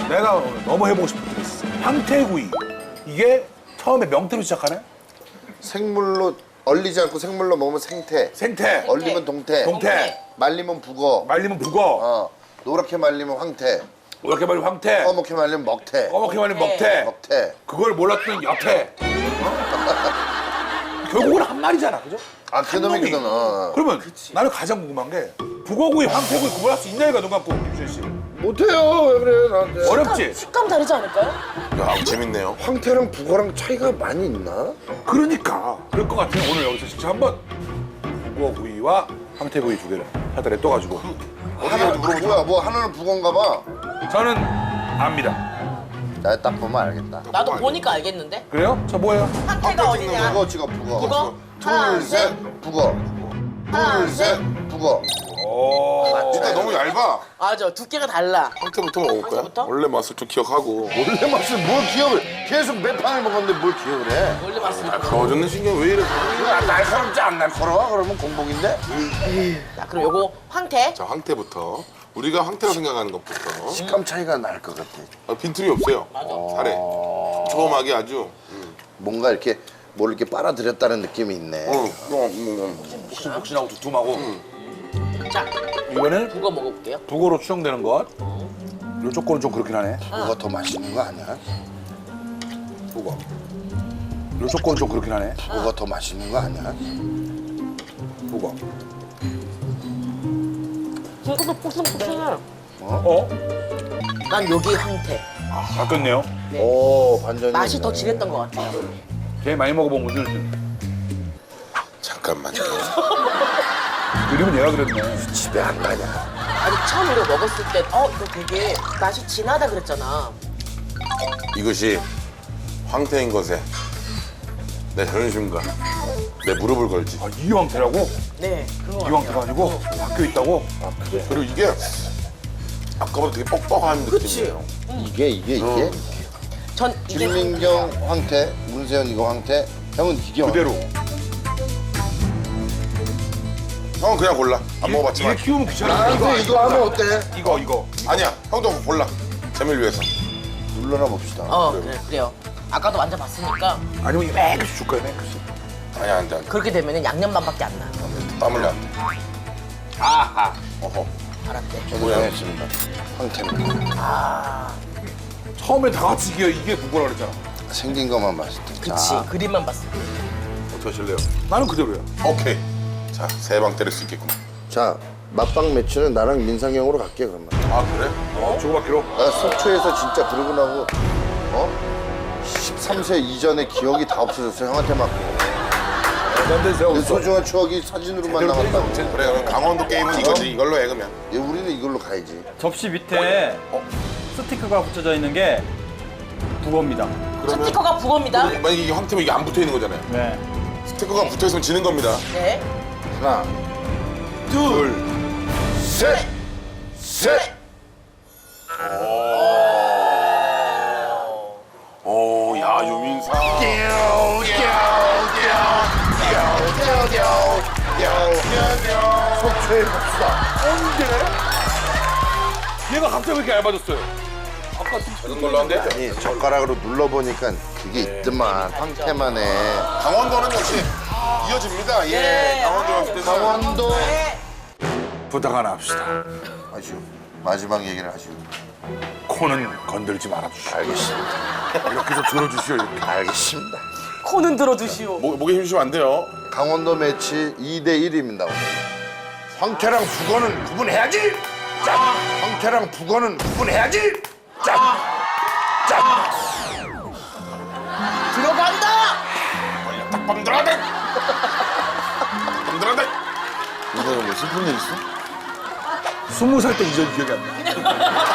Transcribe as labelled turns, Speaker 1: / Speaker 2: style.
Speaker 1: 내가 오늘 너무 해보고 싶은 게 있어. 황태구이. 이게 처음에 명태로 시작하네?
Speaker 2: 생물로 얼리지 않고 생물로 먹으면 생태.
Speaker 1: 생태.
Speaker 2: 얼리면 동태.
Speaker 1: 동태.
Speaker 2: 말리면 북어.
Speaker 1: 말리면 북어.
Speaker 2: 노랗게 말리면 황태.
Speaker 1: 이렇게 말리면 황태.
Speaker 2: 꺼멓게 말리면 먹태.
Speaker 1: 꺼멓게 말리면 먹태.
Speaker 2: 먹태.
Speaker 1: 그걸 몰랐던 여태. 결국은 한 마리잖아, 그죠?
Speaker 2: 아, 그놈이 그놈.
Speaker 1: 그러면 나는 가장 궁금한 게 북어구이, 황태구이 구분할 수 있냐 이거 눈 감고 김수현 씨.
Speaker 2: 못해요. 왜 그래 나한테.
Speaker 1: 어렵지?
Speaker 3: 식감 다르지 않을까요?
Speaker 4: 야, 재밌네요.
Speaker 2: 황태랑 북어랑 차이가 많이 있나?
Speaker 1: 그러니까 그럴 것 같으면 오늘 여기서 직접 한번 북어구이와 황태구이 두 개를 사다리에 떠가지고
Speaker 2: 하나 뭐야? 뭐 하나는 북어인가 봐.
Speaker 1: 저는 압니다.
Speaker 2: 나 딱 보면 알겠다.
Speaker 3: 나도 보니까 알겠는데?
Speaker 1: 그래요? 저 뭐예요?
Speaker 3: 황태가 어디냐?
Speaker 2: 북어 찍어 북어.
Speaker 3: 북어? 하나,
Speaker 2: 둘, 셋, 북어.
Speaker 3: 하나,
Speaker 2: 둘, 셋, 북어.
Speaker 1: 오.
Speaker 4: 일단 너무 얇아.
Speaker 3: 맞아, 두께가 달라.
Speaker 4: 황태부터 먹을 거야?
Speaker 3: 황태부터?
Speaker 4: 원래 맛을 좀 기억하고.
Speaker 2: 원래 맛을 뭘 기억을 계속 몇 판을 먹었는데 뭘 기억을 해?
Speaker 3: 원래 맛은.
Speaker 4: 가워졌는 신경 왜 이래?
Speaker 2: 이거 날카롭지 안 날카로워? 그러면 공복인데?
Speaker 3: 자, 그럼 요거 황태.
Speaker 4: 자, 황태부터. 우리가 황태로 생각하는 것부터.
Speaker 2: 식감 차이가 날 것 같아.
Speaker 4: 빈틈이 없어요. 살에. 촘하게 아주.
Speaker 2: 뭔가 이렇게 뭘 이렇게 빨아들였다는 느낌이 있네.
Speaker 1: 복신복신하고 두툼하고.
Speaker 3: 자,
Speaker 1: 이거는
Speaker 3: 북어 먹어볼게요.
Speaker 1: 북어로 추정되는 것. 이쪽 거는 좀 그렇긴 하네.
Speaker 2: 뭐가 더 맛있는 거 아니야?
Speaker 1: 북어. 이쪽 거는 좀 그렇긴 하네.
Speaker 2: 뭐가 더 맛있는 거 아니야?
Speaker 1: 북어.
Speaker 3: 이것도 폭신폭신해.
Speaker 1: 어?
Speaker 3: 난 여기 황태.
Speaker 1: 바뀌었네요.
Speaker 2: 오, 반전이.
Speaker 3: 맛이
Speaker 2: 있네.
Speaker 3: 더 진했던 것 같아요.
Speaker 1: 제일 많이 먹어본 분들 중.
Speaker 4: 잠깐만요.
Speaker 1: 그림은 얘가 그렸네.
Speaker 2: 집에 안 가냐?
Speaker 3: 아니, 처음 이거 먹었을 때, 이거 되게 맛이 진하다 그랬잖아.
Speaker 4: 이것이 황태인 것에 내 자존심과 내 무릎을 걸지.
Speaker 1: 아, 이 황태라고?
Speaker 3: 네, 그런 거
Speaker 1: 이 황태가 아니고 바뀌어 있다고?
Speaker 4: 그리고 이게 아까보다 되게 뻑뻑한 느낌이에요.
Speaker 2: 이게?
Speaker 3: 전 이게
Speaker 2: 김민경 황태, 문세현 이거 황태, 형은 이게
Speaker 1: 그대로.
Speaker 4: 형은 그냥 골라. 안
Speaker 1: 이게
Speaker 4: 먹어봤지만.
Speaker 1: 키우면 귀찮아.
Speaker 2: 나한테 이거 하면 어때?
Speaker 1: 이거.
Speaker 4: 아니야. 형도 골라. 재미를 위해서.
Speaker 2: 눌러나 봅시다.
Speaker 3: 그래요. 아까도 만져봤으니까
Speaker 1: 아니면 이거 맨끝이 줄 거야, 맨끝이.
Speaker 4: 아니야, 안 돼, 안 돼.
Speaker 3: 그렇게 되면은 양념만밖에 안 나.
Speaker 4: 땀 흘려, 안 돼.
Speaker 1: 아하.
Speaker 4: 어허.
Speaker 3: 알았대.
Speaker 2: 저도 정했습니다. 황태입니다.
Speaker 1: 처음에 다 같이 이게 북어라 그랬잖아.
Speaker 2: 생긴 것만 봤을 때.
Speaker 3: 그치.
Speaker 2: 자,
Speaker 3: 그림만 봤을 때.
Speaker 4: 어떻게 하실래요?
Speaker 1: 나는 그대로야.
Speaker 4: 오케이. 자, 세 방 때릴 수 있겠구만.
Speaker 2: 자, 맛방 매치는 나랑 민상형으로 갈게 그러면.
Speaker 4: 아, 그래?
Speaker 1: 조그맣기로.
Speaker 2: 나 속초에서 진짜 그러고 나고 13세 이전의 기억이 다 없어졌어요. 형한테 맞고.
Speaker 1: 난데 제가
Speaker 2: 그
Speaker 1: 없어.
Speaker 2: 소중한 추억이 사진으로만 남았다고.
Speaker 4: 그래, 그럼 강원도 게임은 이거지. 이걸로 해, 그러면.
Speaker 2: 예, 우리는 이걸로 가야지.
Speaker 5: 접시 밑에 스티커가 붙여져 있는 게 북어입니다.
Speaker 3: 스티커가 북어입니다.
Speaker 4: 만약에 이게 황태면 이게 안 붙어 있는 거잖아요.
Speaker 5: 네.
Speaker 4: 스티커가 붙어 있으면 지는 겁니다.
Speaker 3: 네.
Speaker 2: 하나, 둘, 셋, 셋.
Speaker 4: 오, 야, 유민상.
Speaker 2: 속초에 갑시다.
Speaker 1: 얘가 갑자기 왜 이렇게 얇아졌어요? 아까 좀
Speaker 4: 작은 걸로 한대?
Speaker 2: 아니, 젓가락으로 눌러보니까 그게 있더만. 황태만에.
Speaker 4: 강원도는 역시 이어집니다. 예.
Speaker 3: 네.
Speaker 4: 강원도 왔을 때는.
Speaker 2: 강원도.
Speaker 1: 부탁 하나 합시다.
Speaker 2: 아시오. 마지막 얘기를 하시오.
Speaker 1: 코는 건들지 말아주시오.
Speaker 2: 알겠습니다.
Speaker 1: 이렇게 좀 들어주시오. 이렇게.
Speaker 2: 알겠습니다.
Speaker 3: 코는 들어주시오.
Speaker 4: 목에 힘주면 안 돼요.
Speaker 2: 강원도 매치 2대 1입니다. 오늘. 황태랑 북어는 구분해야지. 짠. 황태랑 북어는 구분해야지. 짠. 짠.
Speaker 3: 들어간다!
Speaker 4: 딱 밤들어대. 밤들어대.
Speaker 2: 이거는 뭐 슬픈 일 있어?
Speaker 1: 20살 때 이전 기억이 안 나.